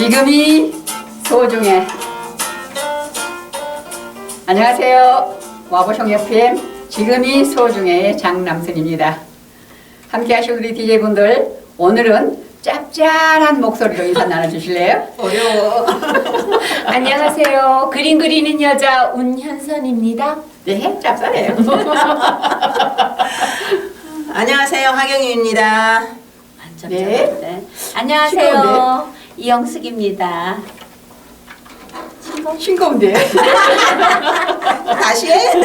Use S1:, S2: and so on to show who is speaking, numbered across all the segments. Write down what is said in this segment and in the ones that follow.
S1: 지금이 소중해. 안녕하세요. 와보숑 FM 지금이 소중해의 장남순입니다. 함께 하실 우리 DJ분들, 오늘은 짭짤한 목소리로 인사 나눠주실래요?
S2: 어려워.
S3: 안녕하세요. 그림 그리는 여자 운현선입니다.
S1: 네, 짭짤해요.
S2: 안녕하세요, 하경유입니다.
S1: 네.
S3: 네. 안녕하세요. 이영숙입니다.
S1: 싱거운데.
S2: 다시 해?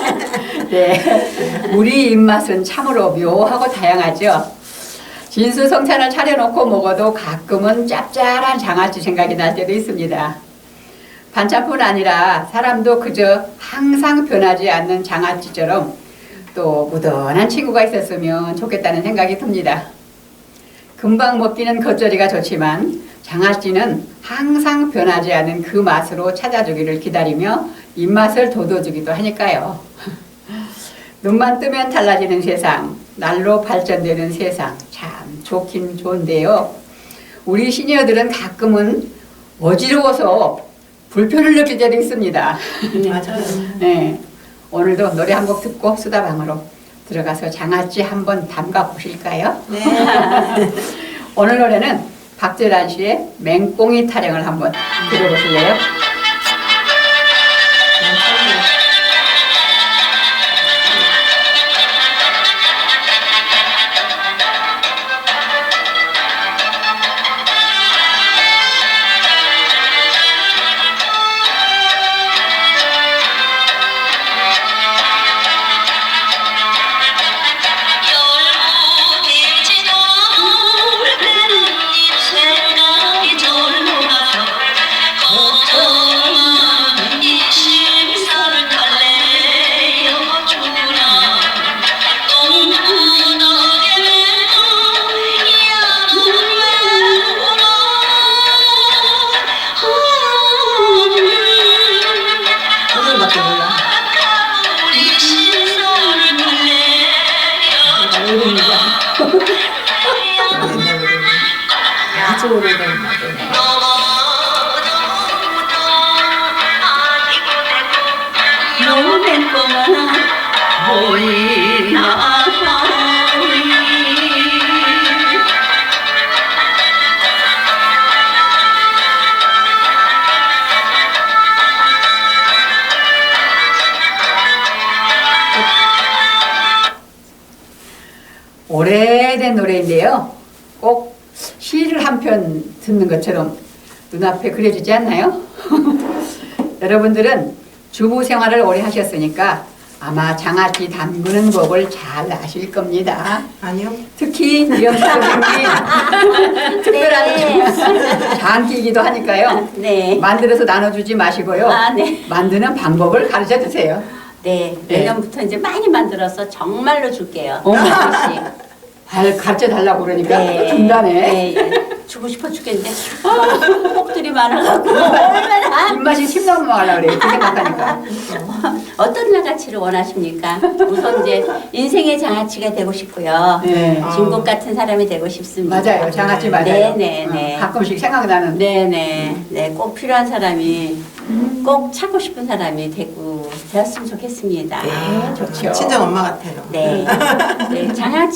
S1: 네. 우리 입맛은 참으로 묘하고 다양하죠. 진수성찬을 차려놓고 먹어도 가끔은 짭짤한 장아찌 생각이 날 때도 있습니다. 반찬뿐 아니라 사람도 그저 항상 변하지 않는 장아찌처럼 또 무던한 친구가 있었으면 좋겠다는 생각이 듭니다. 금방 먹기는 겉절이가 좋지만 장아찌는 항상 변하지 않은 그 맛으로 찾아주기를 기다리며 입맛을 돋워주기도 하니까요. 눈만 뜨면 달라지는 세상, 날로 발전되는 세상, 참 좋긴 좋은데요. 우리 시니어들은 가끔은 어지러워서 불편을 느낄 때도 있습니다.
S2: 맞아요.
S1: 네, 오늘도 노래 한 곡 듣고 수다방으로 들어가서 장아찌 한번 담가 보실까요?
S2: 네.
S1: 오늘 노래는 박재란 씨의 맹꽁이 타령을 한번 들어보실래요?
S2: 그거밖에 몰라. 아주 오래된 노래.
S3: 노는 꼬마나 보이나
S1: 오래된 노래인데요. 꼭 시를 한 편 듣는 것처럼 눈앞에 그려지지 않나요? 여러분들은 주부 생활을 오래 하셨으니까 아마 장아찌 담그는 법을 잘 아실 겁니다.
S2: 아니요.
S1: 특히 이영수 선생님 특별한 장기이기도 하니까요.
S3: 네.
S1: 만들어서 나눠주지 마시고요.
S3: 아, 네.
S1: 만드는 방법을 가르쳐 주세요.
S3: 네.
S1: 네.
S3: 내년부터 이제 많이 만들어서 정말로 줄게요.
S1: 어머.
S3: 하나씩.
S1: 가르쳐 달라고 그러니까
S3: 네.
S1: 준다네.
S3: 네, 예. 주고 싶어 죽겠는데 폭들이 많아갖고 얼마나
S1: 입맛이 침 넘어가려고 그래요. 그 생각하니까.
S3: 어떤 장아찌를 원하십니까? 우선 이제 인생의 장아찌가 되고 싶고요.
S1: 네.
S3: 진국 같은 사람이 되고 싶습니다.
S1: 맞아요. 장아찌 맞아요.
S3: 네네네.
S1: 가끔씩 생각나는.
S3: 네네. 네, 꼭 필요한 사람이 꼭 찾고 싶은 사람이 되었으면 좋겠습니다.
S1: 네, 좋죠.
S2: 친정 엄마 같아요.
S3: 네. 네,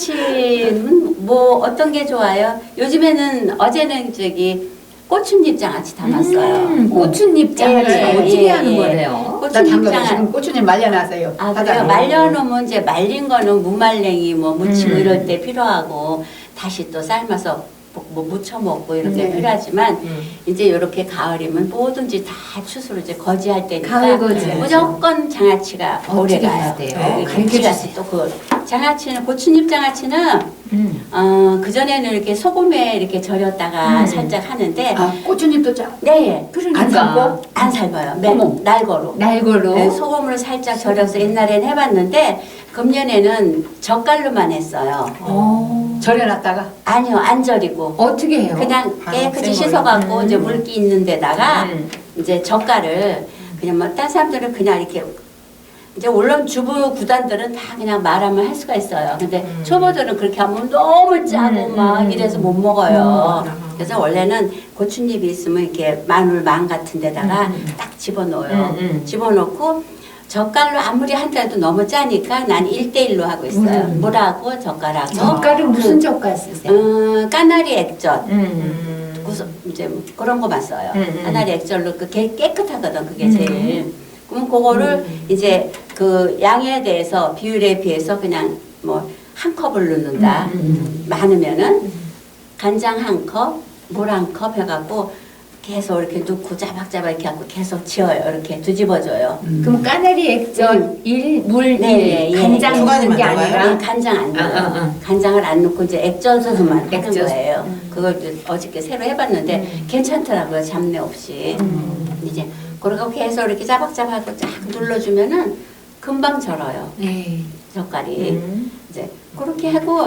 S3: 장아찌는 뭐 어떤 게 좋아요? 요즘에는 어제는 저기 고추잎 장아찌 담았어요.
S4: 고추잎 장아찌
S3: 예, 예,
S4: 어떻게
S3: 예,
S4: 하는
S3: 예.
S4: 거래요?
S1: 나
S3: 고추잎
S1: 당근
S3: 장아찌.
S1: 지금 고추잎 말려놨어요.
S3: 아,
S1: 바닥에.
S3: 그래요? 말려놓으면 이제 말린 거는 무말랭이 뭐 무치고 이럴
S1: 음.
S3: 때 필요하고 다시 또 삶아서 뭐 무쳐 먹고 이렇게
S1: 네.
S3: 필요하지만 이제 이렇게 가을이면 뭐든지 다 추수로 이제 거지할 때니까
S4: 가을 거지.
S3: 무조건 장아찌가 오래
S4: 어떻게
S3: 가요.
S4: 해야 돼요?
S3: 네,
S4: 가르쳐
S3: 김치가스
S4: 주세요.
S3: 또그 장아찌는 고추잎 장아찌는 그 전에는 이렇게 소금에 이렇게 절였다가 살짝 하는데
S1: 아, 고추잎도 짜.
S3: 네,
S4: 그러니까.
S1: 안 삶고?
S3: 안 삶아요.
S1: 어머.
S3: 날거로.
S4: 날고로
S3: 네, 소금으로 살짝 절여서 옛날엔 해봤는데 금년에는 젓갈로만 했어요.
S1: 절여놨다가.
S3: 아니요, 안 절이고
S4: 어떻게 해요?
S3: 그냥
S2: 바로
S3: 깨끗이
S2: 생으로.
S3: 씻어갖고 이제 물기 있는 데다가
S4: 음.
S3: 이제 젓갈을 그냥 뭐 딴 사람들은 그냥 이렇게 이제 물론 주부 구단들은 다 그냥 말하면 할 수가 있어요. 근데 초보들은 그렇게 하면 너무 짜고 막 이래서 못 먹어요. 그래서 원래는 고추잎이 있으면 이렇게 마늘 망 같은 데다가 딱 집어넣어요. 집어넣고 젓갈로 아무리 한다도 너무 짜니까 난 1대1로 하고 있어요. 물하고 젓갈하고.
S4: 젓갈은 무슨 젓갈 쓰세요?
S3: 까나리 액젓. 이제 뭐 그런 거만 써요. 까나리 액젓로 깨끗하거든 그게 제일. 그럼 그거를 이제 그 양에 대해서 비율에 비해서 그냥 뭐 한 컵을 넣는다. 많으면은 간장 한 컵, 물 한 컵 해갖고 계속 이렇게 넣고 자박자박 이렇게 하고 계속 지어요. 이렇게 뒤집어줘요.
S4: 그럼 까나리 액젓 1, 물
S3: 네,
S4: 1,
S3: 예,
S4: 간장
S2: 예.
S4: 넣는 게
S2: 두 가지만
S4: 아니라
S3: 간장 안 넣어요. 간장을 안 넣고 이제 액젓으로만 하는
S4: 액젓.
S3: 거예요. 그걸 이제 어저께 새로 해봤는데 괜찮더라고요. 잡내 없이. 이제 그러고 계속 이렇게 자박자박하고 쫙 눌러주면은 금방 절어요.
S4: 네.
S3: 젓갈이. 이제 그렇게 하고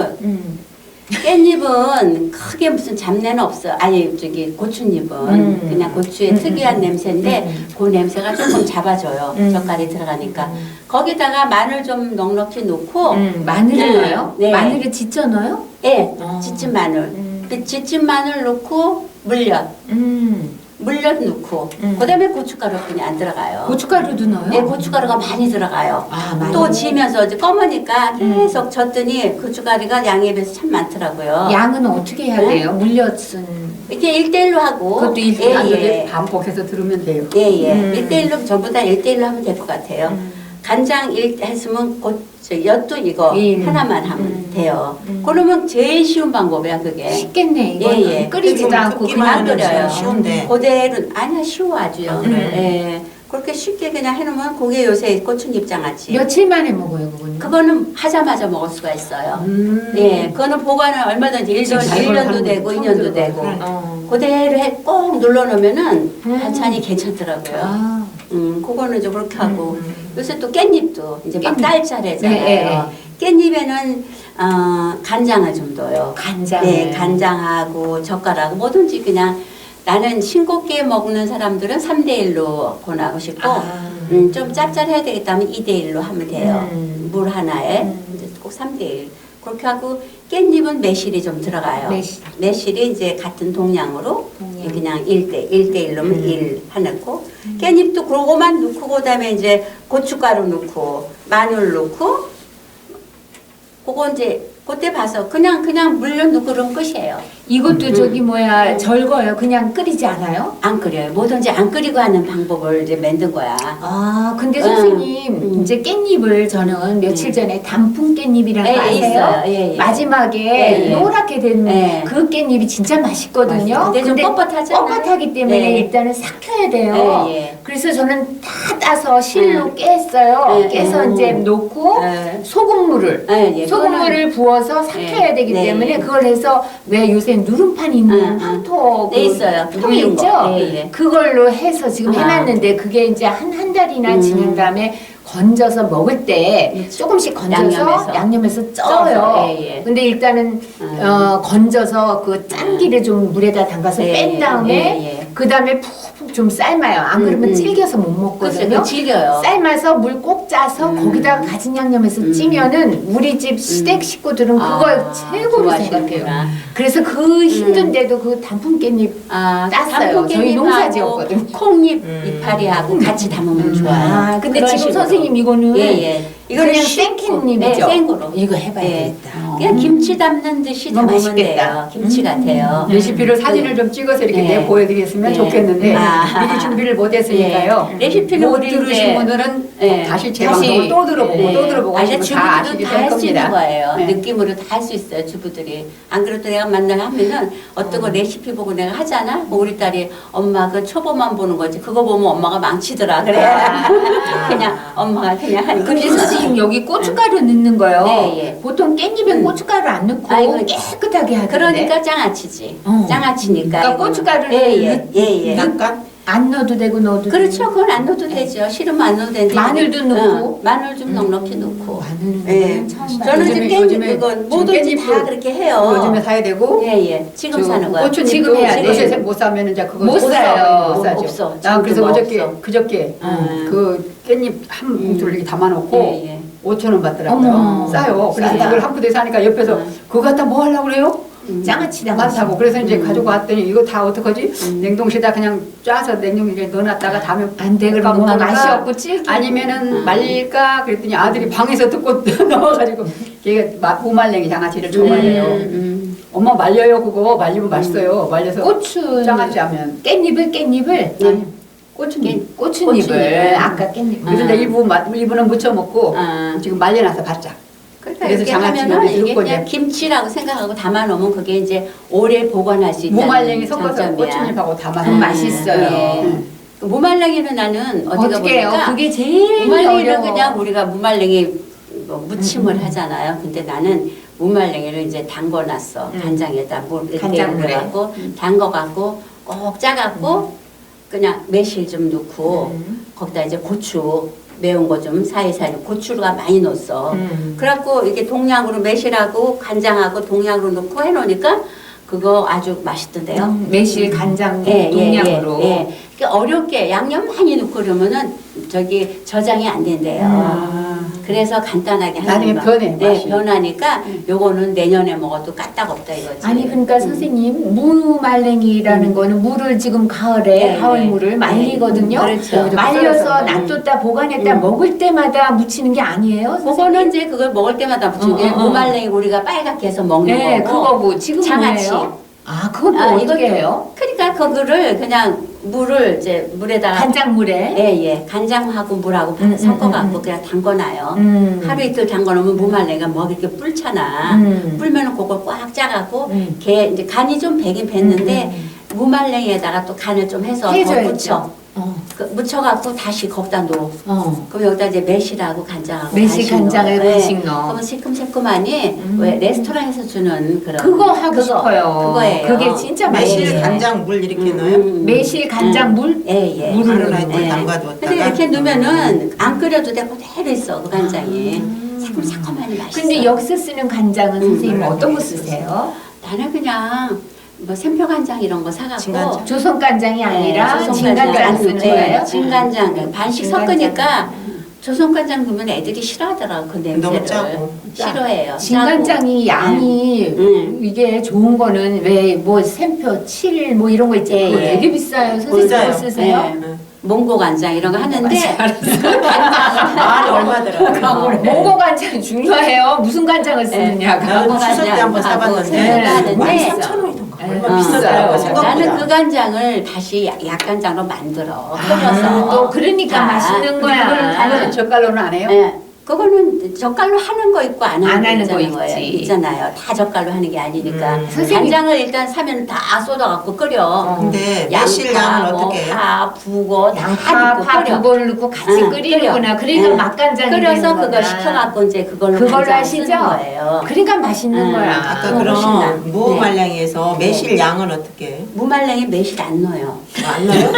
S3: 깻잎은 크게 무슨 잡내는 없어. 아니 저기 고추잎은 그냥 고추의 특이한 냄새인데 그 냄새가 조금 잡아줘요. 젓갈이 들어가니까. 거기다가 마늘 좀 넉넉히 넣고
S4: 마늘을
S3: 네.
S4: 넣어요?
S3: 네.
S4: 마늘을 지쳐 넣어요?
S3: 예, 지친 마늘. 지친 마늘 넣고 물엿 넣고 그다음에 고춧가루 그냥 안 들어가요.
S4: 고춧가루도 넣어요?
S3: 네, 고춧가루가 많이 들어가요.
S4: 아, 많이.
S3: 또 지면서 이제 검으니까 계속 젓더니 고춧가루가 양에 비해서 참 많더라고요.
S4: 양은 어떻게 해야
S3: 네?
S4: 돼요? 물엿은
S3: 이렇게 1대1로 하고
S4: 그것도
S3: 예.
S1: 반복해서 들으면 돼요.
S3: 예. 1대1로 전부 다 1대1로 하면 될 것 같아요. 간장 1 했으면 엿도 이거 하나만 하면 돼요. 그러면 제일 쉬운 방법이야 그게.
S4: 쉽겠네 이거는.
S3: 예.
S4: 끓이지도 않고
S2: 굽기만
S4: 그냥
S2: 하면
S3: 끓여요.
S2: 쉬운데.
S3: 그대로 아니야 쉬워 아주요.
S2: 그래요?
S3: 예. 그렇게 쉽게 그냥 해놓으면 그게 요새 고추잎 장아찌.
S4: 며칠 만에 먹어요 그거는?
S3: 그거는 하자마자 먹을 수가 있어요. 예, 그거는 보관을 얼마든지 1년도 되고 2년도 되고 그대로 꼭 눌러놓으면은 반찬이 괜찮더라고요.
S4: 아.
S3: 그거는 좀 그렇게 하고 요새 또 깻잎도 이제 막
S4: 깻잎.
S3: 딸차례잖아요.
S4: 네,
S3: 깻잎에는 간장을 좀 넣어요.
S4: 간장.
S3: 네, 간장하고 젓갈하고 뭐든지 그냥 나는 싱겁게 먹는 사람들은 3대1로 권하고 싶고 좀 짭짤해야 되겠다면 2대1로 하면 돼요. 물 하나에 이제 꼭 3대1 그렇게 하고 깻잎은 매실이 좀 들어가요. 매실이 이제 같은 동량으로 그냥 1대1로면 1 해놓고 깻잎도 그거만 넣고 그다음에 이제 고춧가루 넣고 마늘 넣고 그거 이제 그때 봐서 그냥 물엿 넣고 그러면 끝이에요.
S4: 이것도 저기 뭐야 절거요? 그냥 끓이지 않아요?
S3: 안 끓여요. 뭐든지 안 끓이고 하는 방법을 이제 만든 거야.
S4: 아 근데 선생님 이제 깻잎을 저는 며칠 전에 단풍 깻잎이라는 거 아세요?
S3: 있어요. 예.
S4: 마지막에
S3: 예.
S4: 노랗게 된
S3: 예.
S4: 그 깻잎이 진짜 맛있거든요.
S3: 근데 좀 뻣뻣하잖아요.
S4: 뻣뻣하기 때문에
S3: 예.
S4: 일단은 삭혀야 돼요.
S3: 예.
S4: 그래서 저는 다 따서 실로 깼어요.
S3: 예.
S4: 깨서 이제 놓고
S3: 예.
S4: 소금물을
S3: 예.
S4: 소금물을 부어서 삭혀야
S3: 예.
S4: 되기
S3: 네.
S4: 때문에 그걸 해서 왜 요새 누름판 있는 황토
S3: 네, 있어요.
S4: 통이
S3: 누른
S4: 있죠?
S3: 거. 예, 예.
S4: 그걸로 해서 지금
S3: 아.
S4: 해놨는데 그게 이제 한 달이나 지난 다음에 건져서 먹을 때 조금씩 건져서 양념해서 쪄요.
S3: 예, 예.
S4: 근데 일단은 건져서 그 짠기를 좀 물에다 담가서
S3: 예,
S4: 뺀 다음에
S3: 예.
S4: 그 다음에 푹푹 좀 삶아요. 안 그러면 질겨서 못 먹거든요.
S3: 그래서 질겨요.
S4: 삶아서 물 꼭 짜서 거기다가 가진 양념해서 찌면은 우리 집 시댁 식구들은 그걸 최고로 생각해요.
S3: 좋아하시는구나.
S4: 그래서 그 힘든데도 그 단풍 깻잎 땄어요. 저희 농사지었거든요.
S3: 콩잎 이파리하고 같이 담으면 좋아요.
S4: 아, 근데
S3: 그런
S4: 지금
S3: 식으로.
S4: 선생님 이거는
S3: 예. 이거는
S4: 그냥
S3: 쉽고,
S4: 생깻잎이죠?
S3: 네, 생으로.
S4: 이거 해봐야
S3: 예.
S4: 되겠다.
S3: 그냥 김치 담는 듯이
S4: 이거
S3: 담으면
S4: 맛있겠다.
S3: 돼요. 김치 같아요.
S1: 레시피를 사진을 좀 찍어서 이렇게
S3: 네.
S1: 내보여드렸으면
S3: 네.
S1: 좋겠는데
S3: 아.
S1: 미리 준비를 못했으니까요.
S3: 예. 레시피는
S1: 못
S3: 우리
S1: 들으신
S3: 이제
S1: 분들은
S3: 예.
S1: 다시 제
S4: 다시,
S1: 방송을 또 들어보고
S3: 네.
S1: 또 들어보고
S3: 아니,
S1: 하시면 다 아시게
S3: 주부들은 다
S1: 될
S3: 할 수 있는
S1: 겁니다.
S3: 거예요.
S1: 네.
S3: 느낌으로 다 할 수 있어요, 주부들이. 안 그래도 내가 만날 하면은 어떤 거 레시피 보고 내가 하잖아? 뭐 우리 딸이 엄마 그 초보만 보는 거지. 그거 보면 엄마가 망치더라. 그래. 그냥 엄마가 그냥 하니까.
S4: 근데 선생님 여기 고춧가루 넣는 거요.
S3: 네, 예.
S4: 보통 깻잎에 고춧가루 안 넣고
S3: 아이고,
S4: 깨끗하게 하던데.
S3: 그러니까 장아찌지.
S4: 어.
S3: 장아찌니까.
S4: 그러니까
S3: 이거는.
S4: 고춧가루를
S3: 예.
S2: 약간
S4: 안 넣어도 되고 넣어도
S3: 그렇죠.
S4: 되고.
S3: 그건 안 넣어도 되죠. 싫으면 안 넣어도 되는데.
S4: 마늘도 넣고.
S3: 마늘 좀 넉넉히 넣고.
S4: 마늘은
S3: 예.
S4: 처음 봐요.
S3: 저는 지금
S1: 요즘에
S3: 깻잎 그건
S1: 지금
S3: 뭐든지 다
S1: 깻잎도
S3: 그렇게 해요.
S1: 요즘에 사야 되고
S3: 예. 지금 사는 거야.
S1: 고추잎도
S4: 지금 해야 돼.
S1: 요새 못 사면 이제 그거
S4: 못 사요.
S1: 못 사죠.
S3: 없어.
S1: 난 그래서
S3: 지금도
S1: 어저께
S3: 없어.
S1: 그저께 그 깻잎 한 봉투를 이렇게 담아놓고
S3: 예.
S1: 5,000원 받더라고요.
S4: 어머.
S1: 싸요. 그래서
S3: 싸요.
S1: 그걸 한 푸대 사니까 옆에서 그거 갖다 뭐 하려고 그래요?
S4: 장아찌다
S1: 많다고. 그래서 이제 가지고 왔더니 이거 다 어떡하지? 냉동실에다 그냥 짜서 냉동실에 넣어놨다가 다음에
S4: 안돼 그럼 뭔가 맛이 없고 질기
S1: 아니면은 말릴까 그랬더니 아들이 방에서 듣고 넣어가지고 걔가 무말랭이 장아찌를 좋아해요. 엄마 말려요 그거 말리면 맛있어요. 말려서
S4: 고추
S1: 장아찌 하면
S4: 깻잎을
S1: 아니 고추잎
S4: 고추잎을 아까 깻잎
S1: 그래서 이제 일부는 무쳐 먹고 지금 말려놔서 바짝.
S3: 그러니까
S1: 그래서
S3: 이렇게
S1: 장아찌를
S3: 하면은 이게
S1: 넣고
S3: 그냥
S1: 이제
S3: 김치라고 생각하고 담아놓으면 그게 이제 오래 보관할 수 있다는
S1: 무말랭이 섞어서
S3: 장점이야.
S1: 고추잎하고 담아서
S4: 맛있어요.
S3: 예. 그 무말랭이는 나는 어디가
S4: 어떻게 해요?
S3: 보니까
S4: 그게 제일
S3: 무말랭이는
S4: 어려워.
S3: 그냥 우리가 무말랭이 뭐 무침을 하잖아요. 근데 나는 무말랭이를 이제 담궈놨어. 간장에다 물
S4: 간장물에.
S3: 갖고 담궈갖고 꼭 짜갖고 그냥 매실 좀 넣고 거기다 이제 고추 매운 거 좀 사이사이 고추가 많이 넣었어. 그래갖고 이렇게 동량으로 매실하고 간장하고 동량으로 넣고 해놓으니까 그거 아주 맛있던데요.
S4: 매실 간장 동량으로
S3: 예. 그러니까 어렵게 양념 많이 넣고 그러면은 저기 저장이 안 된대요. 그래서 간단하게 하는
S1: 나중에
S3: 거.
S1: 변해,
S3: 네,
S1: 맛이.
S3: 변하니까 요거는 내년에 먹어도 까딱없다 이거지.
S4: 아니 그러니까 선생님 무말랭이라는 거는 물을 지금 가을에
S3: 네,
S4: 가을물을
S3: 네.
S4: 말리거든요.
S3: 그렇죠.
S4: 말려서 놔뒀다 보관했다 먹을 때마다 무치는 게 아니에요.
S3: 그거는 이제 그걸 먹을 때마다 무치는 게 무말랭이 우리가 빨갛게 해서 먹는
S4: 네,
S3: 거고.
S4: 그거고 지금
S3: 장아찌.
S4: 뭐예요? 아, 그건 또 어떻게 해요?
S3: 그러니까 그거를 그냥 물을 이제 물에다가
S4: 간장물에.
S3: 예. 간장하고 물하고 섞어갖고 그냥 담궈놔요. 하루 이틀 담궈놓으면 무말랭이가 뭐 이렇게 불잖아. 불면은 그걸 꽉 짜갖고 걔 이제 간이 좀 배긴 뱄는데 무말랭이에다가 또 간을 좀 해서 더
S4: 해줘야죠.
S3: 묻혀. 그 묻혀갖고 다시 거기다 넣어. 그럼 여기다 이제 매실하고 간장하고
S4: 매실
S3: 간식
S4: 간장을
S3: 넣어.
S4: 간식 넣어.
S3: 그러면 새콤새콤하니 왜 레스토랑에서 주는 그런
S4: 그거 하고 싶어요.
S3: 그거예요.
S4: 그게 진짜
S2: 매실,
S4: 맛있어요.
S2: 간장, 물 이렇게 넣어요?
S4: 매실 간장 물.
S3: 예.
S2: 물을 넣고
S3: 예.
S2: 담가두었다가.
S3: 근데 이렇게 넣으면은 안 끓여도 돼 그대로 있어 그 간장이. 새콤새콤하니 맛있어.
S4: 근데 여기서 쓰는 간장은 선생님 어떤 거 쓰세요?
S3: 나는 그냥 뭐 샘표 간장 이런 거 사갖고
S2: 진간장.
S4: 조선 간장이 아니라
S3: 조선
S4: 진간장
S3: 간장
S4: 쓰는
S3: 네,
S4: 거예요?
S3: 진간장 반씩
S4: 진간장.
S3: 섞으니까 조선 간장 넣으면 애들이 싫어하더라고 그
S2: 너무
S3: 냄새를.
S2: 짜고.
S3: 싫어해요.
S4: 진간장이 양이 이게 좋은 거는 왜 뭐 샘표 7 뭐 이런 거 있죠.
S3: 예,
S4: 그거
S3: 예.
S4: 되게 비싸요. 선생님
S2: 비싸요.
S4: 그거 쓰세요?
S3: 네. 몽고 간장 이런 거 하는데
S2: 말이 얼마 들어요?
S4: 몽고 간장 중요해요. 무슨 간장을 쓰느냐가.
S2: 나는 추석 때 한번 사봤는데
S3: 생각도 하는데
S2: 13,000원이던가 얼마
S3: 어,
S2: 비싸더라고
S4: 비싸요.
S2: 생각보다.
S3: 나는 그 간장을 다시 약간장으로 만들어 끓여서
S4: 또 그러니까
S3: 자,
S4: 맛있는
S1: 그거는
S4: 거야.
S1: 다른 젓갈로는 안 해요?
S3: 예. 그거는 젓갈로 하는 거 있고 안 하는 거 있잖아요.
S4: 있지.
S3: 있잖아요. 다 젓갈로 하는 게 아니니까.
S4: 선생님.
S3: 간장을 일단 사면 다 쏟아갖고 끓여.
S2: 근데 매실 양은
S3: 뭐
S2: 어떻게 해요?
S3: 파, 부고 다
S4: 양파,
S3: 넣고
S4: 파
S3: 끓여.
S4: 두 번을 넣고 같이
S3: 응,
S4: 끓이는구나.
S3: 끓여.
S4: 그러니까
S3: 응.
S4: 맛간장이
S3: 끓여서
S4: 되는
S3: 그거
S4: 거구나.
S3: 식혀갖고 이제 그걸로
S4: 그걸로
S3: 간장을
S4: 하시죠?
S3: 쓰는 거예요.
S4: 그러니까 맛있는
S3: 응.
S4: 거야.
S2: 아까
S3: 그거 훨씬 나.
S2: 그럼 무말랭이에서 매실 양은 어떻게 해요?
S3: 무말랭이 매실 안 넣어요.
S2: 안 넣어요?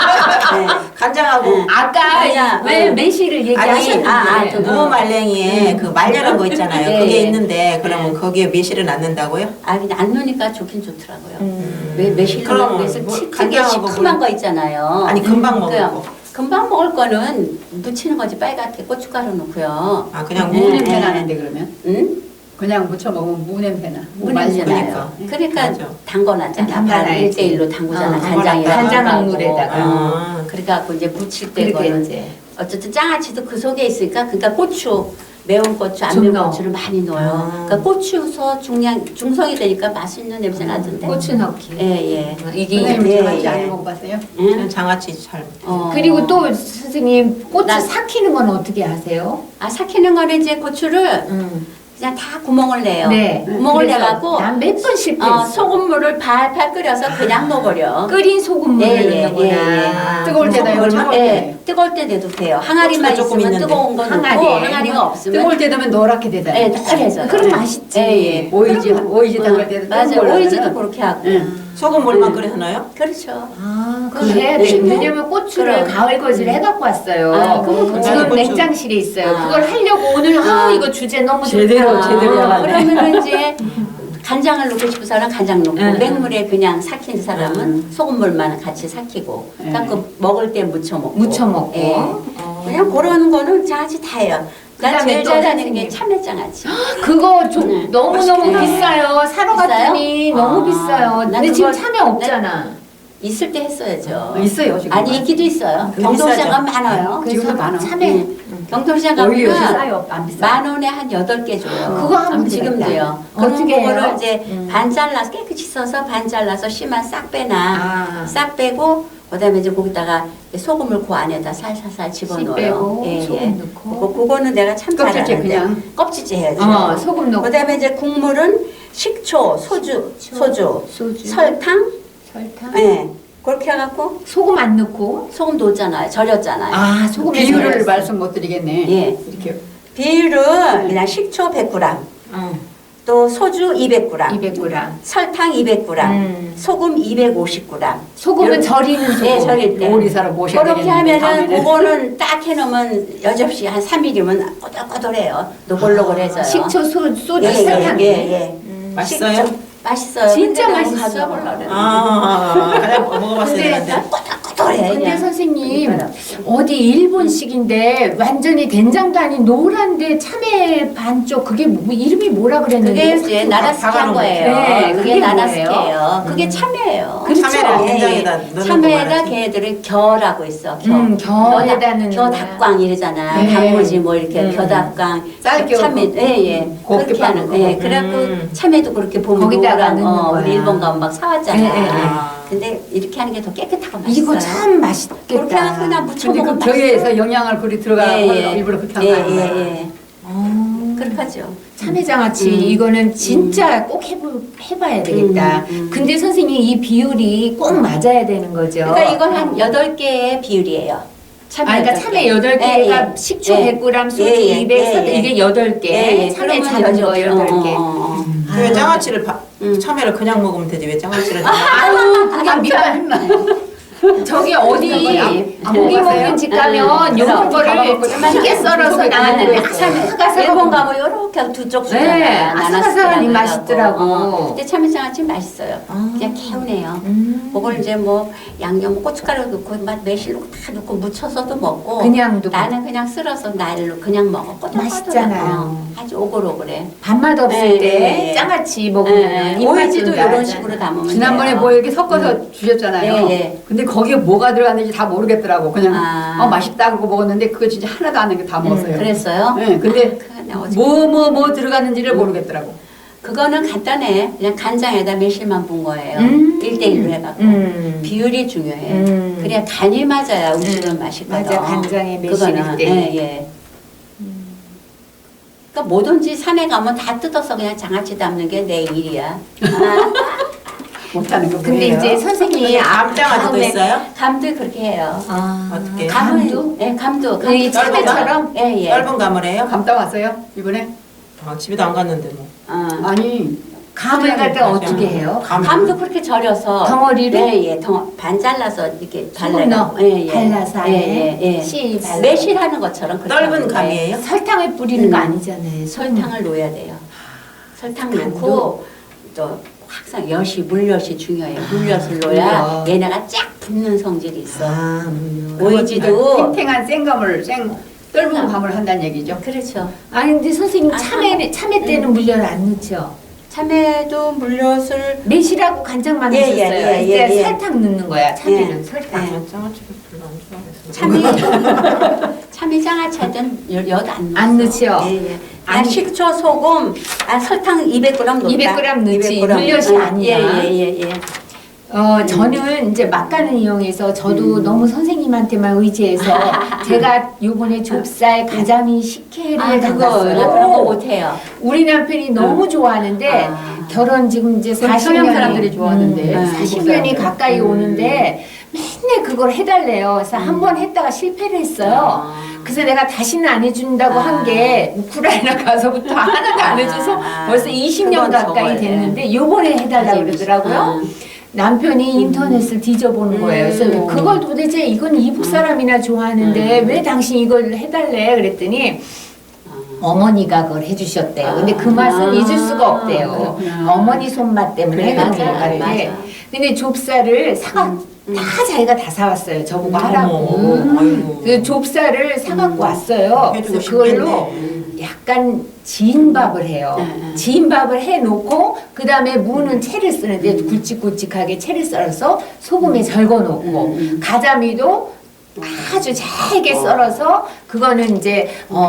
S3: 네.
S2: 간장하고
S3: 응.
S4: 아까
S3: 아니야,
S4: 왜
S3: 응.
S4: 매실을 얘기하셨는데
S2: 그 무말랭이에 그 말려놓은 거 있잖아요.
S3: 네.
S2: 그게 있는데 그러면 거기에 매실은 안 넣는다고요?
S3: 아 근데 안 넣으니까 좋긴 좋더라고요. 매실
S2: 그럼
S3: 넣고 해서
S2: 뭐
S3: 되게
S2: 간장하고
S3: 시큼한
S2: 물-
S3: 거 있잖아요.
S2: 아니 금방 먹을
S3: 그래요.
S2: 거.
S3: 금방 먹을 거는 묻히는 거지 빨갛게 고춧가루 넣고요.
S2: 아 그냥
S3: 네.
S1: 무
S2: 무
S1: 냄새
S3: 네.
S1: 나는데 그러면?
S3: 응?
S1: 그냥 무쳐 먹으면 무 냄새나.
S3: 무 냄새
S2: 그러니까.
S3: 나요. 그러니까
S2: 맞아.
S3: 담궈놨잖아.
S4: 담가놔야지.
S3: 1대1로 담그잖아.
S4: 어,
S3: 간장이랑
S4: 간장물에다가.
S2: 아,
S3: 그래갖고 이제 무칠 때
S4: 그렇게
S3: 거는
S4: 이제
S3: 어쨌든 장아찌도 그 속에 있으니까 그러니까 고추 매운 고추 안
S4: 좀
S3: 매운
S4: 넣어.
S3: 고추를 많이 넣어요.
S2: 아.
S3: 그러니까 고추서 중성이 되니까 맛있는 냄새 나던데.
S4: 고추 넣기.
S3: 예.
S4: 이게
S1: 선생님
S3: 네,
S1: 장아찌
S3: 예.
S1: 안 먹어봤어요?
S2: 저는
S3: 응?
S2: 장아찌 잘.
S4: 그리고 또 선생님 고추
S3: 난-
S4: 삭히는 건 어떻게 하세요?
S3: 아 삭히는 거는 이제 고추를 그냥 다 구멍을 내요.
S4: 네.
S3: 구멍을 내갖고
S4: 난 몇 번 실패했어.
S3: 소금물을 팔팔 끓여서 그냥 넣어버려.
S4: 끓인 소금물을
S3: 예,
S4: 넣는구나.
S3: 예.
S1: 뜨거울 때다 이걸 차가울 때.
S3: 예, 뜨거울 때 내도 돼요. 항아리만
S2: 고추가 조금
S3: 있으면
S2: 있는데.
S3: 뜨거운 거 넣고
S4: 항아리에.
S3: 항아리가 없으면
S1: 뜨거울 때 되면 노랗게 되잖아.
S3: 예, 노래져요.
S4: 그럼 맛있지.
S3: 예.
S1: 오이지 담글 때도
S3: 맞아요.
S1: 뜨거운 걸로
S3: 오이지도
S1: 하면은
S3: 그렇게 하고.
S2: 소금물만 끓여서 넣어요?
S3: 그렇죠.
S4: 아,
S3: 그럼,
S4: 그래야 돼.
S3: 네.
S4: 왜냐면 고추를
S3: 그럼.
S4: 가을 거지를 해갖고 왔어요.
S3: 아, 그럼
S4: 지금
S2: 고추.
S4: 냉장실에 있어요.
S3: 아.
S4: 그걸 하려고 오늘 이거 주제 너무
S1: 제대로,
S4: 좋다.
S1: 제대로 해봤네.
S3: 그러면 이제 간장을 넣고 싶은 사람은 간장 넣고
S4: 응.
S3: 맹물에 그냥 삭힌 사람은 소금물만 같이 삭히고
S1: 응.
S3: 그러니까 그 먹을 때 무쳐 먹고
S4: 무쳐 먹고.
S3: 예.
S4: 어.
S3: 그냥 그런 거는 장아찌 다 해요. 난
S4: 그다음에
S3: 제일
S4: 또
S3: 잘하는
S4: 선생님.
S3: 게 참외장아찌.
S4: 그거 너무너무
S3: 맛있게.
S4: 비싸요. 사러
S3: 비싸요?
S4: 갔더니 너무
S3: 아,
S4: 비싸요.
S3: 난
S4: 근데 지금
S3: 그걸-
S4: 참외 없잖아.
S3: 있을 때 했어야죠.
S1: 있어요 지금.
S3: 아니 있기도 있어요.
S2: 그거
S3: 경동시장
S2: 비싸죠.
S3: 가면 많아요.
S1: 지금도
S4: 그래서
S1: 많아.
S4: 참외
S3: 경동시장
S1: 오히려 요새
S3: 가면
S1: 싸요. 안 비싸.
S3: 10,000원에 한 8개 줘요.
S4: 그거 하면
S3: 지금도요.
S4: 되겠다.
S3: 그럼
S4: 어떻게
S3: 그거를
S4: 해요?
S3: 이제 반 잘라서 깨끗이 써서 반 잘라서 씨만 싹 빼나. 싹 빼고 그다음에 이제 거기다가 소금을 그 안에다 살살살 집어넣어요.
S4: 빼고 소금 넣고.
S3: 그거는 내가 참
S1: 껍질째
S3: 잘하는데
S1: 그냥.
S3: 껍질째 해야죠.
S4: 소금 넣고
S3: 그다음에 이제 국물은 식초, 소주,
S4: 소주.
S3: 설탕,
S4: 설탕.
S3: 예. 그렇게 해갖고
S4: 소금 안 넣고.
S3: 소금 넣었잖아요. 절였잖아요.
S4: 아 소금
S1: 비율을 말씀 못 드리겠네.
S3: 예.
S1: 이렇게
S3: 비율은 그냥 식초 100g, 또 소주 200g,
S4: 200g.
S3: 설탕 200g, 소금 250g.
S4: 소금은 절이는 소금.
S3: 예, 절일 때.
S1: 요리사로 모셔야
S3: 그렇게
S1: 되겠는데,
S3: 하면은
S1: 다음에는.
S3: 그거는 딱 해놓으면 여접시 한 3일이면 꼬들꼬들해요. 노골노골해져요.
S4: 식초, 소주,
S3: 예,
S4: 설탕.
S3: 예.
S2: 맛있어요?
S3: 맛있어요.
S4: 진짜
S3: 근데 내가
S4: 맛있어.
S3: 가져보려고 그랬는데.
S2: 그냥 먹어봤어야 되는데.
S3: 꼬들꼬들해.
S4: 근데
S3: 그냥.
S4: 선생님 어디 일본식인데 완전히 된장도 아닌 노란데 참외 반쪽 그게 이름이 뭐라 그랬는데
S3: 그게 이제 나라스키 한 거예요.
S4: 네,
S3: 그게
S4: 그게
S3: 나라스키예요. 그게 참외예요.
S4: 그렇죠.
S2: 참외를
S3: 예,
S2: 된장에다
S3: 예.
S2: 넣는
S3: 참외에다
S2: 거 말하지.
S3: 걔네들은 겨라고 있어.
S4: 겨에다 넣는 거야.
S3: 겨닭광 이러잖아.
S4: 네.
S3: 단무지 뭐 이렇게 겨닭광.
S1: 쌀겨
S3: 참외, 예.
S1: 곱게
S3: 그렇게 하는
S1: 빠는
S3: 거. 예.
S1: 거.
S3: 그래갖고 참외도 그렇게 보면
S4: 거기다가
S3: 노란,
S4: 넣는 거야.
S3: 우리 일본 가면 막 사왔잖아.
S4: 예, 예, 예.
S3: 근데 이렇게 하는 게 더 깨끗하고 맛있어요.
S4: 이거 참 맛있겠다.
S3: 그렇게 해서 그냥 무쳐
S1: 근데 그
S3: 먹으면
S1: 겨에서 영양을 그리 들어가고 일부러 그렇게 한
S3: 예,
S1: 거 아니에요?
S3: 예. 그렇게 하죠.
S4: 참외장아찌 이거는 진짜 꼭 해봐야 되겠다. 근데 선생님 이 비율이 꼭 맞아야 되는 거죠.
S3: 그러니까 이건 한 8개의 비율이에요.
S4: 그러니까 참외 8개가
S3: 예, 예.
S4: 식초
S3: 예.
S4: 100g, 소주
S3: 예, 예.
S4: 200,
S3: 예, 예.
S4: 이게 8개.
S3: 예, 예.
S4: 참외
S3: 그러면
S4: 작은 거
S3: 여덟 개.
S4: 8개.
S2: 왜 장아찌를 참외를 그냥 먹으면 되지 왜 장아찌를
S4: 아유, 그게 밑반. 저기 어디 고기 먹는 집 가면 요런 거를 크게 썰어서 나왔는데 아삭아삭하고
S3: 일본 가면 요렇게 두 쪽 주잖아요.
S4: 네, 아삭아삭하니
S3: 나나스키라고
S4: 맛있더라고.
S3: 해갖고. 근데 참외장아찌 맛있어요. 그냥 개운해요. 그걸 이제 뭐 양념 고춧가루 넣고 매실 넣고 다 넣고 무쳐서도 먹고
S4: 그냥도
S3: 나는 그냥 쓸어서 날로 그냥 먹어. 꼬들꼬들하고.
S4: 맛있잖아요.
S3: 아주 오글오글해.
S4: 밥맛 없을
S3: 예,
S4: 때
S3: 예, 예.
S4: 장아찌 먹으면 입맛
S3: 오이지도
S4: 좀
S3: 이런
S4: 나잖아.
S3: 식으로 담으면
S1: 지난번에
S3: 돼요.
S1: 뭐 이렇게 섞어서 주셨잖아요.
S3: 예, 예.
S1: 근데 거기에 뭐가 들어갔는지 다 모르겠더라고. 그냥
S3: 아.
S1: 맛있다 그러고 먹었는데 그거 진짜 하나도 안 넣은 게 다 먹었어요.
S3: 그랬어요?
S1: 네, 근데
S3: 그냥 어제
S1: 뭐 들어갔는지를 모르겠더라고.
S3: 그거는 간단해. 그냥 간장에다 매실만 분 거예요. 1대1로 해갖고. 비율이 중요해. 그래야 간이 맞아야 우시는 맛이거든.
S4: 맞아, 간장에 매실
S3: 그거는,
S4: 1대1.
S3: 예, 예. 그러니까 뭐든지 산에 가면 다 뜯어서 그냥 장아찌 담는 게 내 일이야.
S1: 못하는 거
S4: 근데
S1: 뭐예요?
S4: 이제 선생님이
S2: 감장아찌도
S3: 다음에
S2: 있어요?
S3: 감도 그렇게 해요.
S2: 어떻게?
S3: 감도? 예, 감도.
S4: 이 참외처럼?
S3: 예, 예.
S2: 얇은 감을 해요?
S1: 감따 왔어요 이번에?
S2: 집에도 안 갔는데 뭐.
S1: 아니
S4: 감을 갖다
S2: 맞아.
S4: 어떻게 해요?
S3: 감도 그렇게 절여서
S4: 덩어리를?
S3: 예, 예. 반 잘라서 이렇게
S4: 소금 넣어.
S3: 예, 예.
S4: 발라서
S3: 예, 예, 예.
S4: 씨 발라.
S3: 매실하는 것처럼 그렇게
S2: 떫은
S3: 하면 돼.
S2: 감이에요?
S4: 설탕을 뿌리는 거 아니잖아요.
S3: 설탕을 넣어야 돼요. 설탕
S4: 간도?
S3: 넣고 또 항상 물엿이 중요해요. 물엿을 넣어야
S4: 물엿.
S3: 얘네가 쫙 붙는 성질이 있어.
S4: 물엿.
S3: 오이지도
S1: 탱탱한 생감을 떫은 감을 한다는 얘기죠.
S3: 그렇죠.
S4: 아니 근데 선생님
S3: 아,
S4: 참외 때는 물엿 안 넣죠?
S3: 참외도 물엿을
S4: 매실하고 간장만
S3: 예, 예,
S4: 하셨어요.
S3: 예,
S4: 이제
S3: 예, 예.
S4: 설탕 넣는 거야. 참외는
S3: 예.
S4: 설탕.
S3: 예.
S2: 장아찌를 별로 안 좋아해서.
S3: 참외장아찌는 엿안 넣어.
S4: 안 넣죠?
S3: 예, 예.
S4: 아니.
S3: 식초, 소금, 설탕 200g 넣다.
S4: 200g 넣지.
S3: 200g.
S4: 물엿이 아니야.
S3: 예.
S4: 저는 이제 막간을 이용해서 저도 너무 선생님한테만 의지해서 제가 요번에 좁쌀 가자미 식혜를
S3: 그거
S4: 담갔어요.
S3: 그런 거 못해요.
S4: 우리 남편이 너무 좋아하는데 결혼 지금 이제
S1: 그건
S4: 40년이
S1: 서양 사람들이 좋아하는데.
S4: 40년이 가까이 오는데 맨날 그걸 해달래요. 그래서 한 번 했다가 실패를 했어요. 그래서 내가 다시는 안 해준다고 한 게 우크라이나 가서부터 하나도 안 해줘서 벌써 20년
S3: 그건
S4: 가까이
S3: 적어야 돼.
S4: 됐는데 요번에 해달라고 그러더라고요. 남편이 인터넷을 뒤져보는 거예요. 그래서 그걸 도대체 이건 이북 사람이나 좋아하는데 왜 당신 이걸 해달래? 그랬더니 어머니가 그걸 해주셨대요. 근데 그 맛은 잊을 수가 없대요.
S1: 그렇구나.
S4: 어머니 손맛 때문에
S3: 그래,
S4: 그런
S3: 맞아,
S4: 것 같아.
S3: 맞아.
S4: 근데 좁쌀을 다 자기가 다 사왔어요. 저보고 하라고.
S2: 어머, 아이고.
S4: 그 좁쌀을 사갖고 왔어요.
S2: 해주고
S4: 그래서 그걸로
S2: 싶겠네.
S4: 약간 지인밥을 해요.
S3: 네.
S4: 지인밥을 해놓고 그 다음에 무는 채를 쓰는데 굵직굵직하게 채를 썰어서 소금에 절거놓고 가자미도 아주 잘게 썰어서 그거는 이제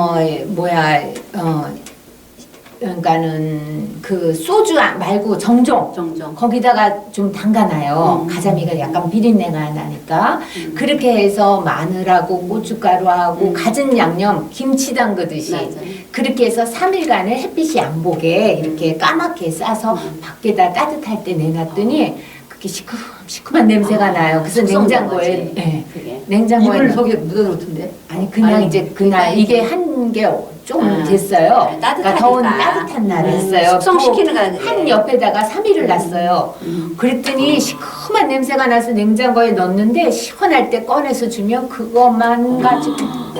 S4: 그러니까는 그 소주 말고 정종 거기다가 좀 담가놔요. 가자미가 약간 비린내가 나니까 그렇게 해서 마늘하고 고춧가루하고 갖은 양념 김치 담그듯이
S3: 맞아요.
S4: 그렇게 해서 3일간을 햇빛이 안 보게 이렇게 까맣게 싸서 밖에다 따뜻할 때 내놨더니 그게 시큼시큼한 냄새가 나요. 그래서 냉장고에 냉장고에
S1: 이불 속에 묻어놓던데.
S4: 아니 그냥 이제 그날 이게 한 게 좀 됐어요. 그러니까 더운 따뜻한 날에 했어요.
S3: 숙성시키는 거야.
S4: 한 옆에다가 3일을 놨어요. 그랬더니 시큼한 냄새가 나서 냉장고에 넣었는데 시원할 때 꺼내서 주면 그것만 가지고.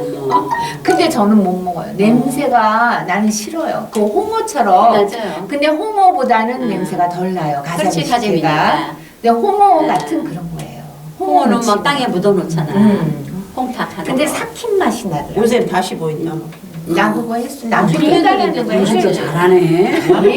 S4: 근데 저는 못 먹어요. 냄새가 나는 싫어요. 그 홍어처럼.
S3: 맞아요.
S4: 근데 홍어보다는 냄새가 덜 나요.
S3: 그렇지,
S4: 가자미가.
S3: 가자미니까.
S4: 근데 홍어 같은 그런 거예요.
S3: 홍어는 막
S4: 지금.
S3: 땅에 묻어놓잖아. 홍탁 하는
S4: 근데
S3: 거.
S4: 삭힌 맛이 나더라고요.
S2: 요새 다시 보인다.
S4: 나 그거 했어. 남편이 해달라는 거 했어요.
S3: 잘하네.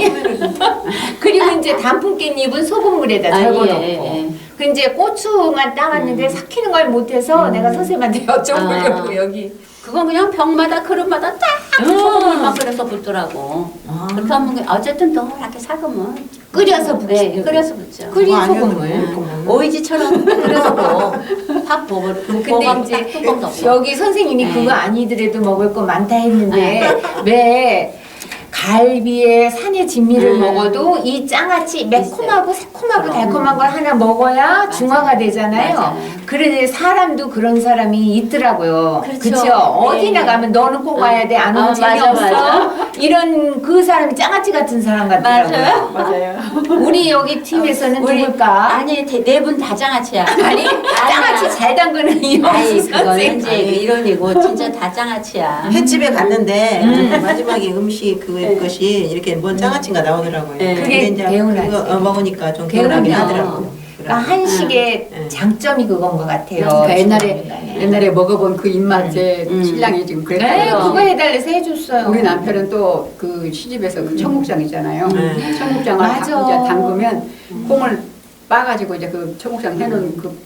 S4: 그리고 이제 단풍깻잎은 소금물에다 절거놓고. 그 이제 고추만 따왔는데 삭히는 걸 못해서 내가 선생님한테 여쭤보려고 여기.
S3: 그건 그냥 병마다 그릇마다 딱 소금물만 끓여서 붓더라고. 그렇게 하면 어쨌든 노랗게 삭으면
S4: 끓여서 붓지.
S3: 네, 끓여서 붓죠.
S4: 끓인 소금물.
S3: 오이지처럼 끓여서 팍 먹을
S4: 근데 이제
S3: 뚜껑도 없어.
S4: 여기 선생님이
S3: 네.
S4: 그거 아니더라도 먹을 거 많다 했는데 왜 갈비에 산의 진미를 먹어도 이 장아찌 매콤하고 새콤하고
S3: 그럼.
S4: 달콤한 걸 하나 먹어야 중화가 되잖아요.
S3: 맞아요.
S4: 그런데 사람도 그런 사람이 있더라고요.
S3: 그렇죠.
S4: 그렇죠. 어디나
S3: 네.
S4: 가면 너는 꼭 와야 돼. 안 오면
S3: 맞아,
S4: 재미없어.
S3: 맞아.
S4: 이런 그 사람이 장아찌 같은 사람 같더라고요.
S1: 맞아요.
S4: 우리 여기 팀에서는
S3: 우리-
S4: 누굴까?
S3: 아니 네 분 다 장아찌야.
S4: 아니 장아찌 잘 담그는
S3: 아니
S4: 이영수
S3: 그거는
S4: 선생.
S3: 이제 이론이고 진짜 다 장아찌야.
S2: 횟집에 갔는데 마지막에 음식 그것이 이렇게 뭔 장아찌가 나오더라고요.
S3: 네.
S4: 그게
S2: 근데 이제
S4: 개운하지.
S2: 그거 먹으니까 좀
S4: 개운하죠.
S2: 개운하긴 하더라고요.
S4: 그러니까 한식의
S2: 응.
S4: 장점이 그건 것 같아요.
S1: 그러니까 옛날에 먹어본 그 입맛에 신랑이 지금
S4: 네,
S1: 그랬어요.
S4: 그거 해달래서 해줬어요.
S1: 우리 남편은 또 그 시집에서 그 청국장 있잖아요. 청국장을
S4: 맞아.
S1: 이제 담그면 콩을 빠가지고 이제 그 청국장 해놓은 그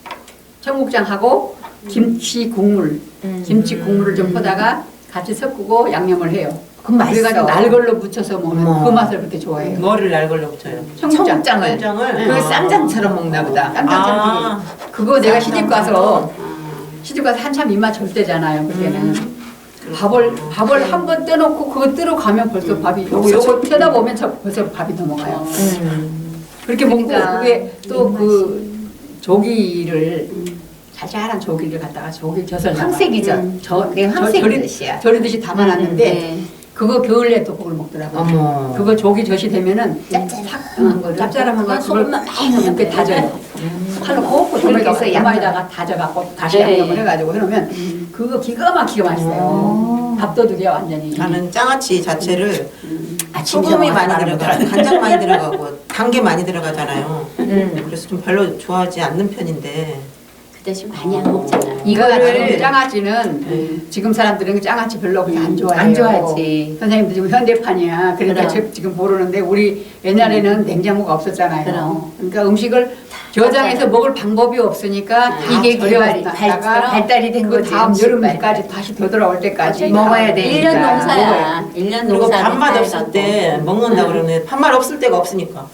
S1: 청국장하고 김치 국물, 김치 국물을 좀 퍼다가 같이 섞고 양념을 해요.
S4: 그건 맛있어.
S1: 그래가지고 날걸로 묻혀서 먹으면
S4: 어머.
S1: 그 맛을 그렇게 좋아해요.
S2: 뭐를 날걸로 붙여요?
S1: 청국장.
S2: 청국장을?
S4: 그 쌈장처럼 먹나 보다.
S1: 깜짝처럼
S2: 아.
S1: 그거 내가
S2: 쌈장.
S1: 시집 가서 한참 입맛 절 때잖아요. 그때는 밥을 한 번 떠놓고 그거 뜨러 가면 벌써 밥이 요거 쳐다보면 벌써 밥이 넘어가요. 그렇게
S4: 그러니까.
S1: 먹고 그게 또 그 조기를 자잘한 조기를 갖다가 조기 젖을
S4: 황색이죠. 그게 황색이야.
S1: 절이듯이 담아놨는데
S3: 네.
S1: 그거 겨울에 또 그걸 먹더라고요.
S4: 어머.
S1: 그거 조기 젖이 되면은
S4: 짭짤한 거를.
S1: 짭짤한 거
S3: 소금만 많이 넣으면
S1: 이렇게
S3: 돼.
S1: 다져요. 칼로 꼭
S4: 그렇게 해서
S1: 양말에다가 다져갖고 다시
S3: 네.
S1: 양념을 해가지고 해놓으면 그거 기가 막히게 맛있어요. 밥도둑이야 완전히.
S2: 나는 장아찌 자체를
S1: 아침
S2: 소금이
S1: 저녁
S2: 많이
S1: 말하는
S2: 들어가, 간장 많이 들어가고 단 게 많이 들어가잖아요.
S4: 음.
S2: 그래서 좀 별로 좋아하지 않는 편인데
S3: 그 대신 많이 안 먹잖아.
S1: 이거를 장아찌는 지금 사람들은 장아찌 별로 그렇게 안 좋아해요.
S4: 안 좋아하지.
S1: 선생님도 지금 현대판이야. 그러니까
S3: 그럼.
S1: 지금 모르는데 우리 옛날에는 냉장고가 없었잖아요.
S3: 그럼.
S1: 그러니까 음식을 저장해서 먹을 방법이 없으니까
S4: 이게
S1: 절여놨다가
S4: 발달이 된
S1: 그
S4: 거지.
S1: 다음
S4: 음식
S1: 여름까지 다시 되돌아올 때까지
S4: 먹어야
S1: 다
S4: 되니까.
S3: 1년 농사야.
S1: 먹어요.
S3: 1년
S2: 그리고
S3: 농사.
S2: 밥맛 없을 때 먹는다 그러면 밥맛 없을 때가 없으니까.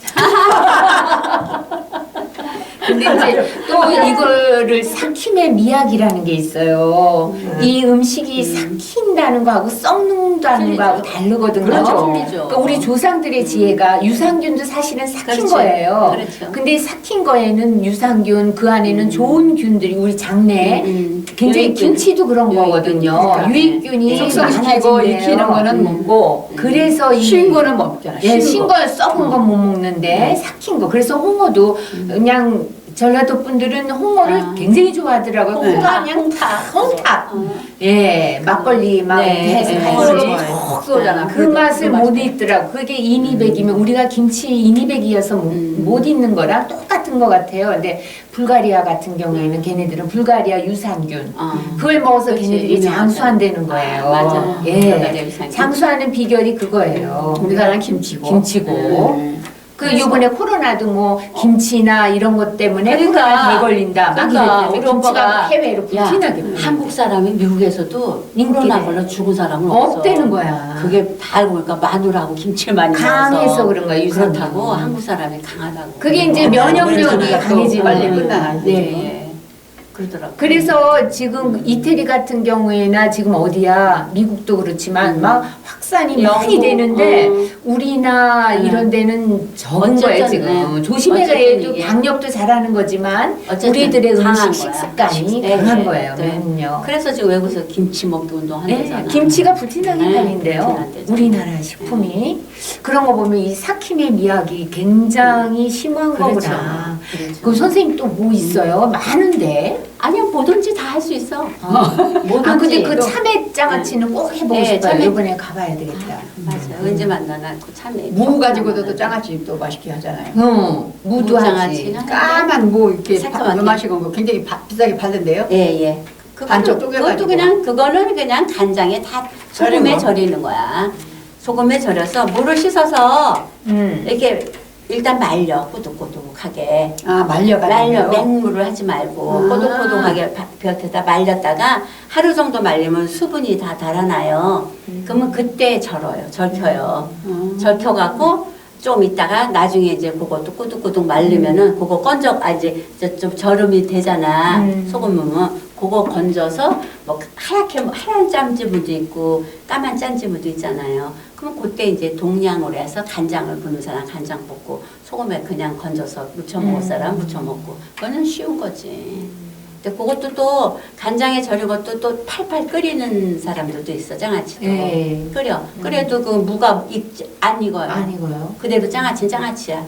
S4: 근데 이제 또 이거를 삭힘의 미학이라는 게 있어요. 이 음식이 삭힌다는 거하고 썩는다는 거하고 다르거든요.
S3: 그렇죠. 틀리죠.
S4: 그러니까 우리 조상들의 지혜가 유산균도 사실은 삭힌
S3: 그렇죠.
S4: 거예요.
S3: 그렇죠.
S4: 근데 삭힌 거에는 유산균, 그 안에는 좋은 균들이 우리 장내 굉장히
S3: 유익균.
S4: 김치도 그런
S3: 유익균.
S4: 거거든요.
S3: 그러니까.
S4: 유익균이
S1: 숙성시키고
S4: 많아진대요.
S1: 익히는 거는 먹고
S4: 그래서 이
S1: 쉰 거는 먹잖아.
S4: 예, 신거 썩은 건 못 먹는데 삭힌 거. 그래서 홍어도 그냥 전라도 분들은 홍어를 굉장히 좋아하더라고요. 홍어가 그냥 홍탁. 예, 막걸리 막
S3: 네,
S4: 이렇게 해서
S3: 네.
S4: 같이
S2: 홍어를 좋아해요.
S1: 콕 쏘잖아.
S4: 그 맛을 못 잊더라고. 그게 인이백이면 우리가 김치 인이백이어서 못 잊는 거랑 똑같은 똑같은 것 같아요. 근데 불가리아 같은 경우에는 걔네들은 불가리아 유산균 그걸 먹어서
S3: 그치,
S4: 걔네들이
S3: 유명하죠.
S4: 장수한다는 거예요.
S3: 맞아.
S4: 예.
S3: 불가리아 유산균.
S4: 장수하는 비결이 그거예요.
S1: 우리나라는 김치고.
S4: 김치고. 그 요번에 코로나도 뭐 김치나 이런 것 때문에
S3: 그러니까.
S4: 코로나 개 걸린다 막
S3: 그러니까
S4: 이랬는데
S3: 우리
S4: 김치가
S3: 오빠가
S4: 해외로
S3: 야,
S4: 불티나게
S3: 한국 사람이 미국에서도
S4: 인기래.
S3: 코로나 걸려 죽은 사람은 없어.
S4: 없대는 거야.
S3: 그게 다 알고 보니까 마늘하고 김치를 많이
S4: 강해서
S3: 먹어서
S4: 그런 거야, 유산균.
S3: 그렇다고 한국 사람이 강하다고.
S4: 그게 이제 면역력이 강해지고
S1: 빨리 끝나나.
S3: 예,
S4: 네.
S3: 예. 그러더라고.
S4: 그래서 지금 이태리 같은 경우에나 지금 어디야 미국도 그렇지만 막 확산이 많이
S3: 영국,
S4: 되는데 우리나 이런 데는 적은 거예요
S3: 어쨌든,
S4: 지금.
S3: 네.
S4: 조심해서
S3: 어쨌든
S4: 해도
S3: 이게
S4: 방역도 잘하는 거지만
S3: 어쨌든
S4: 우리들의
S3: 강한
S4: 음식
S3: 거야.
S4: 식습관이
S3: 네,
S4: 강한
S3: 네,
S4: 거예요.
S3: 네.
S4: 면역.
S3: 그래서 지금 외국에서 김치 먹기 운동
S4: 네,
S3: 한대잖아.
S4: 김치가 불티나게
S3: 네,
S4: 팔린대요.
S3: 불티난대죠.
S4: 우리나라 식품이 그런 거 보면 이 사킴의 미학이 굉장히 심한
S3: 그렇죠.
S4: 거구나.
S3: 그렇죠.
S4: 그 선생님 또 뭐 있어요? 많은데.
S3: 아니야 뭐든지 다 할 수 있어.
S4: 아 근데 그
S3: 또-
S4: 참외 장아찌는 꼭 해보고
S3: 네,
S4: 싶어요.
S3: 참외-
S4: 이번에 가봐야 되겠다.
S3: 맞아요. 언제 만나나 그 참외.
S1: 무 가지고도 또 장아찌 또 맛있게 하잖아요.
S4: 무도 하지.
S3: 무장아찌는
S1: 까만 무 이렇게
S3: 새까맣게.
S1: 요만식은 거 굉장히 비싸게 팔던데요.
S3: 예, 예.
S1: 반쪽
S3: 그것도
S1: 쪼개가지고.
S3: 그냥 그거는 그냥 간장에 다 소금에
S2: 절인 거.
S3: 절이는 거야. 소금에 절여서 물을 씻어서 이렇게 일단 말려 꼬독꼬독하게
S1: 아 말려가지고.
S3: 말려 맹물을 하지 말고
S1: 아.
S3: 꼬독꼬독하게 볕에다 말렸다가 하루 정도 말리면 수분이 다 달아나요. 그러면 그때 절켜요. 절켜갖고 좀 있다가 나중에 이제 그것도 꾸덕꾸덕 말리면은 그거 이제 좀 절음이 되잖아. 소금 넣으면 그거 건져서 뭐 하얀 짠지무도 있고 까만 짠지무도 있잖아요. 그럼 그때 이제 동량으로 해서 간장을 부는 사람 간장 붓고 소금에 그냥 건져서 무쳐 먹을 사람 무쳐 먹고 그거는 쉬운 거지. 근데 그것도 또 간장에 절인 것도 또 팔팔 끓이는 사람들도 있어 장아찌도
S4: 네.
S3: 끓여. 그래도 그 무가 안 익어요.
S4: 아니고요.
S3: 그대로 장아찌는 장아찌야.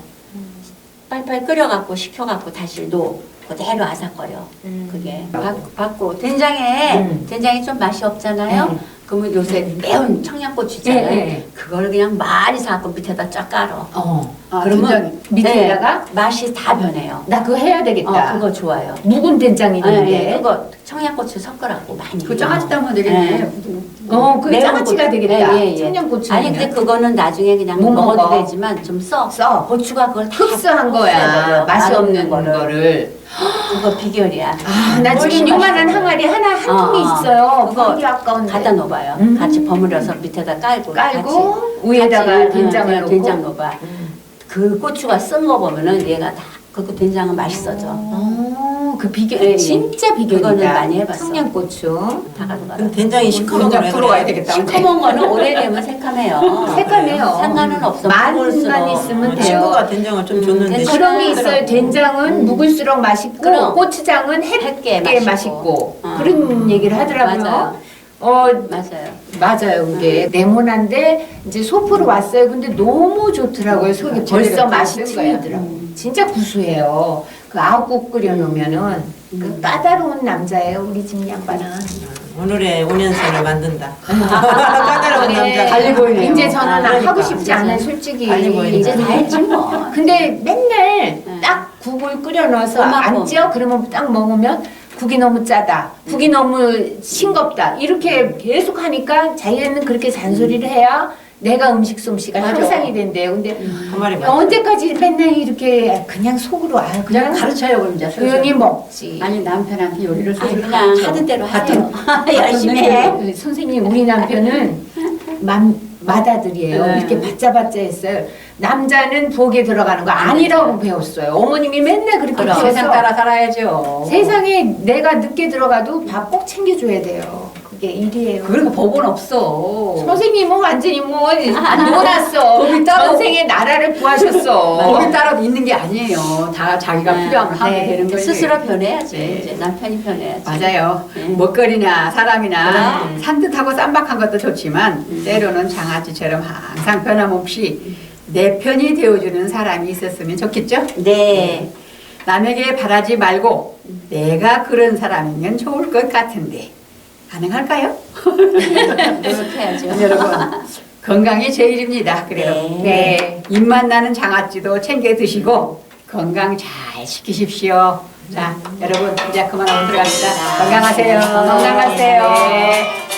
S3: 팔팔 끓여갖고 식혀갖고 다시 놓 그대로 아삭거려. 그게 받고 된장이 좀 맛이 없잖아요. 그러면 요새 매운 청양고추 있잖아요.
S4: 네.
S3: 그걸 그냥 많이 사갖고 밑에다 쫙 깔어.
S1: 아,
S3: 그러면
S1: 된장이.
S4: 밑에다가
S3: 네, 맛이 다 변해요.
S4: 나 그거 해야 되겠다.
S3: 그거 좋아요.
S4: 묵은 된장이 있는데.
S3: 네, 그거 청양고추 섞으라고 많이.
S1: 그 장아찌 따면 되겠네.
S4: 그
S3: 매운
S4: 장아찌가
S3: 고추.
S4: 되겠다.
S3: 예, 예, 예.
S4: 청양고추.
S3: 아니 근데 그거는 나중에 그냥
S4: 못
S3: 먹어도
S4: 먹어.
S3: 되지만 좀 써.
S4: 써.
S3: 고추가 그걸 다
S4: 흡수한 거야.
S3: 흡수해버려.
S4: 맛이 없는
S3: 거를.
S4: 거를.
S3: 그거 비결이야.
S4: 나 지금
S3: 훨씬
S4: 요만한
S3: 맛있어요.
S4: 항아리 한 통이
S3: 어, 어.
S4: 있어요.
S3: 그거
S4: 그게 아까운데.
S3: 갖다 놓아봐요. 같이 버무려서 밑에다 깔고
S4: 깔고 위에다가 된장을 넣고.
S3: 된장 넣어봐. 그 고추가 쓴 거 보면은 얘가 다 그 된장은 맛있어져.
S4: 그 비결
S3: 예, 예.
S4: 진짜 비결이다.
S3: 그거는 많이 해봤어.
S4: 청양고추.
S3: 다 가져가.
S2: 그럼 된장이 시커먼
S1: 된장
S2: 거래.
S1: 풀어 가야 되겠다.
S3: 시커먼 거는 오래되면 새카매요.
S4: 색깔이에요.
S3: 상관은 없어.
S4: 맛만
S3: 먹을수록.
S4: 있으면 돼요.
S2: 친구가 된장을 좀 줬는데
S3: 된장.
S4: 그런 게 있어요. 된장은 묵을수록 맛있고
S3: 그럼.
S4: 고추장은
S3: 햇게
S4: 햇게
S3: 맛있고.
S4: 맛있고
S3: 어.
S4: 그런 얘기를 하더라고요.
S3: 맞아요.
S4: 맞아요. 맞아요. 그게 네모난데 이제 소포로 왔어요. 근데 너무 좋더라고요. 속이 벌써
S1: 재료가
S4: 맛이
S1: 다 쓴 거야.
S4: 틀리더라고요. 진짜 구수해요. 그 아욱국 끓여놓으면은 그 까다로운 남자예요. 우리 집 양반은.
S2: 오늘의 5년생을 만든다.
S4: 까다로운
S1: 남자 달리 보이네요.
S4: 이제 저는
S2: 그러니까.
S4: 하고 싶지 않아요. 솔직히.
S2: 달리 보이니까.
S3: 이제 다 했지 뭐.
S4: 근데 맨날 딱 국을 끓여 넣어서
S3: 고맙고.
S4: 안 쪄? 그러면 딱 먹으면 국이 너무 짜다. 국이 너무 싱겁다. 이렇게 계속 하니까 자기는 그렇게 잔소리를 해야 내가 음식 솜씨가
S1: 맞아.
S4: 향상이 된대요. 근데
S2: 한 마리 맞
S4: 언제까지 맨날 이렇게 그냥 속으로
S1: 그냥
S4: 그냥
S1: 가르쳐요 그럼 이제.
S4: 조용히 먹지.
S1: 아니 남편한테 요리를
S3: 아니
S1: 소리를
S3: 그냥
S1: 가르쳐.
S3: 하던 대로 하세요. 열심히 해.
S4: 선생님 우리 남편은 맏아들이에요.
S1: 네.
S4: 이렇게 바짜바짜 했어요. 남자는 부엌에 들어가는 거 아니라고 배웠어요. 어머님이 맨날 그렇게
S3: 그럼.
S4: 배웠어.
S1: 세상 따라 살아야죠.
S4: 세상에 내가 늦게 들어가도 밥 꼭 챙겨줘야 돼요. 그게 일이에요.
S1: 그런 거 법은 없어.
S4: 선생님은 완전히 뭐 안 놀았어.
S1: 법이 따로-
S4: 전생에 나라를 구하셨어.
S1: 법이 따로 있는 게 아니에요. 다 자기가 필요하면 하면
S4: 네.
S1: 되는 거지.
S3: 스스로 변해야지.
S1: 네.
S3: 이제 남편이 변해야지.
S1: 맞아요.
S3: 네.
S1: 먹거리나 사람이나
S3: 그럼.
S1: 산뜻하고 쌈박한 것도 좋지만 때로는 장아찌처럼 항상 변함없이 내 편이 되어주는 사람이 있었으면 좋겠죠?
S3: 네.
S1: 남에게 바라지 말고 내가 그런 사람이면 좋을 것 같은데 가능할까요?
S3: 노력해야죠.
S1: 여러분 건강이 제일입니다. 그래요.
S3: 네.
S4: 네.
S1: 입맛 나는 장아찌도 챙겨 드시고 건강 잘 지키십시오. 자, 여러분 이제 그만하고 들어갑시다. 건강하세요.
S4: 건강하세요.